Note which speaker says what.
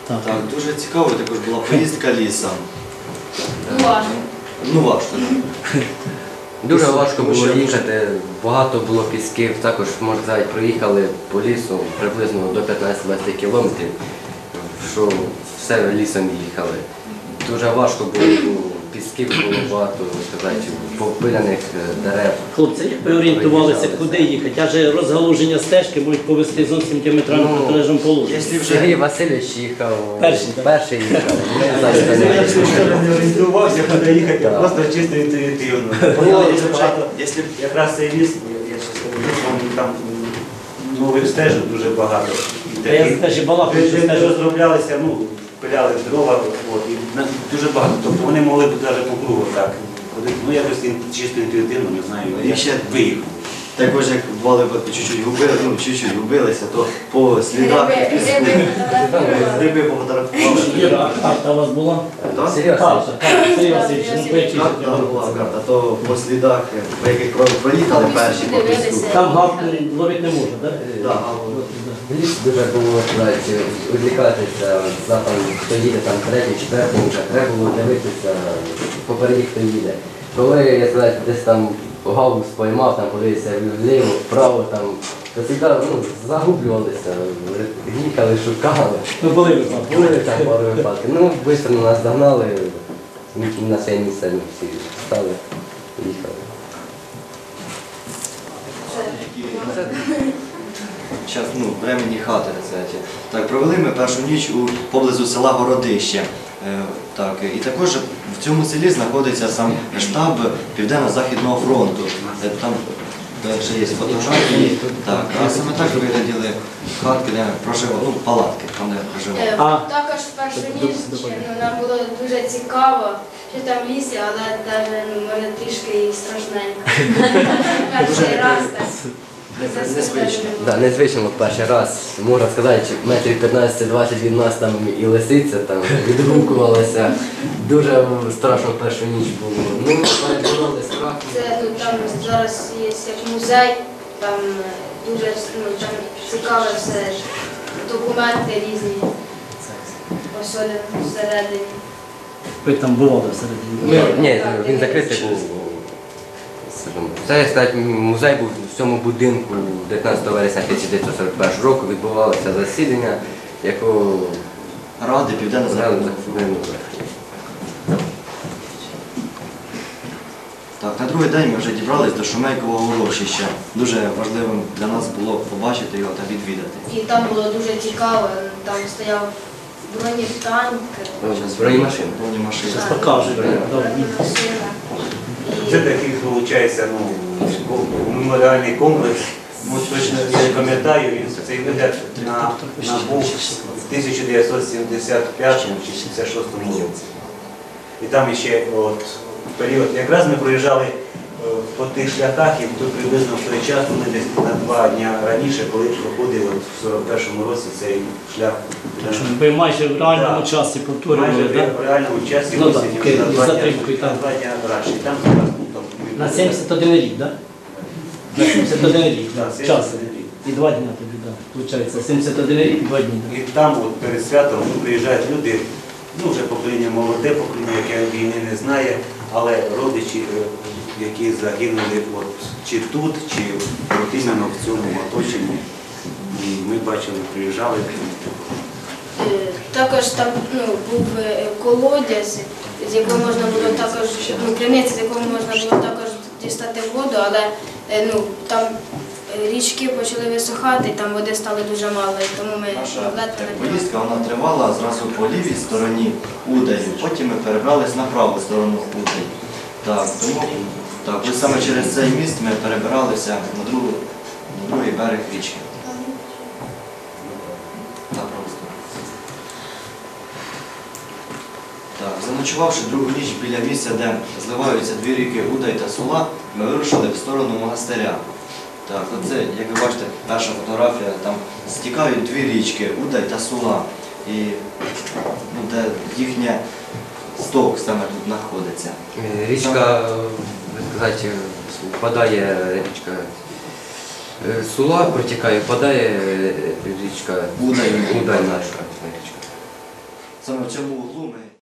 Speaker 1: Так.
Speaker 2: Так, дуже цікаво також була поїздка лісом.
Speaker 3: Важко.
Speaker 2: Ну важко.
Speaker 4: Дуже важко було їхати, багато було пісків, також, можна сказати, проїхали по лісу приблизно до 15-20 кілометрів, що все лісом їхали. Дуже важко було, пісків було багато, сказати, попиляних дерев.
Speaker 1: Хлопці, як ви орієнтувалися, куди їхати? Адже розгалуження стежки можуть повести зовсім діаметрально протилежному положенню.
Speaker 2: Якщо
Speaker 4: Сергій
Speaker 2: вже
Speaker 4: Васильович їхав,
Speaker 1: Перший, так?
Speaker 4: перший їхав.
Speaker 5: Я нічого не орієнтувався, куди їхати, я просто чисто інтуїтивно. Дуже багато, якраз цей ліс, я ще скажу, там нових стежок дуже багато. І
Speaker 1: Я
Speaker 5: таких,
Speaker 1: теж і балакаю, що
Speaker 5: де
Speaker 1: стежок.
Speaker 5: розроблялися, пиляли дрова, і дуже багато. Тобто вони могли б навіть по кругу так ходити. Ну якось чисто інтуїтивно, не знаю,
Speaker 2: І
Speaker 5: я
Speaker 2: ще
Speaker 5: виїхав.
Speaker 2: також як бували чуть-чуть губилися, то по слідах гриби пофотографували.
Speaker 1: Іра, а карта у вас була?
Speaker 2: Так?
Speaker 4: Сергій Васильович.
Speaker 1: Карта, Сергій Васильович, ну поясніть.
Speaker 2: Карта була карта, то по слідах, по яких проїхали перші по піску.
Speaker 1: Там гавкнері ловити не можна, так?
Speaker 2: Так.
Speaker 4: В ліс дуже було відлікатися, там, хто їде там третій, четвертий, треба було дивитися попереді, хто їде. Коли я сказати, десь там галус поймав, там подивився вліво, вправо, там, то цікаво, загублювалися, їхали, шукали.
Speaker 1: Ну були ви там.
Speaker 4: Були там пару випадків. Ну, швидко нас догнали, на своє місце ми всі стали, їхали.
Speaker 2: Зараз, временні хати, кстати. Так, провели ми першу ніч поблизу села Городище. Так, і також в цьому селі знаходиться сам штаб Південно-Західного фронту. Там ще є фотографії. Так, а саме так вигляділи хатки, де проживали, палатки, там де проживали.
Speaker 3: Також в першу ніч нам було дуже цікаво, що там в лісі, але навіть мене трішки і страшненько. Перший раз так.
Speaker 2: Незвично.
Speaker 4: Да, незвично перший раз, можна сказати, метрів 15-20 від нас там і лисиця там відгукувалася. Дуже страшно першу ніч було. Ну, перебороли страх.
Speaker 3: Це там зараз є як музей, там дуже там цікаве все, документи різні, особливо всередині.
Speaker 1: Ви там бували всередині?
Speaker 4: Ні, він закритий був. Це, сказати, музей був в цьому будинку 19 вересня 1941 року відбувалося засідання, якого
Speaker 2: Ради Південно-Західного фронту. Так, на другий день ми вже дібрались до Шумейкового урочища. Дуже важливим для нас було побачити його та відвідати.
Speaker 3: І там було дуже цікаво, там стояв бронетанк,
Speaker 4: бронемашина.
Speaker 2: Бронемашина.
Speaker 1: Зараз покажу.
Speaker 3: машина.
Speaker 5: Це такий, виходить, меморіальний комплекс. Точно я не пам'ятаю, він цей вигляд набув в 1975 чи 76 році. І там ще період, якраз ми проїжджали по тих шляхах, і тут приблизно в той час, ми десь на 2 дні раніше, коли проходив в 41-му році цей шлях.
Speaker 1: Ви майже в реальному часі повторювали,
Speaker 5: Майже
Speaker 1: так?
Speaker 5: в реальному часі
Speaker 1: Ну, так,
Speaker 5: осінню,
Speaker 1: із затримкою, так.
Speaker 5: на 2 дні раніше. І там зараз,
Speaker 1: На 71 рік, так? На 71 рік,
Speaker 5: Так,
Speaker 1: так, час.
Speaker 5: 71 рік.
Speaker 1: І 2 дні тобі, так. Получається, 71 рік і 2 дні.
Speaker 5: І там перед святом приїжджають люди, вже покоління молоде, покоління, яке війни не знає, але родичі, які загинули чи тут, чи іменно в цьому оточенні. І ми бачили, приїжджали.
Speaker 3: Також там був колодязь, з якого можна було також, криниця, з якого можна було також дістати воду, але там річки почали висухати, там води стало дуже мало, і тому ми
Speaker 2: Наша
Speaker 3: ледве не
Speaker 2: поїздка вона тривала зразу по лівій стороні Удаї, потім ми перебрались на праву сторону Удаї. Так, тому ось саме через цей міст ми перебиралися на другий берег річки. На праву сторону. Так, заночувавши другу ніч біля місця, де зливаються дві ріки Удай та Сула, ми вирушили в сторону монастиря. Так, оце, як ви бачите, перша фотографія, там стікають дві річки Удай та Сула. І де їхня сток саме тут знаходиться.
Speaker 4: Річка, сказати, впадає річка Сула, протікає, впадає річка
Speaker 2: Удай
Speaker 4: наша річка.
Speaker 2: саме в цьому углу ми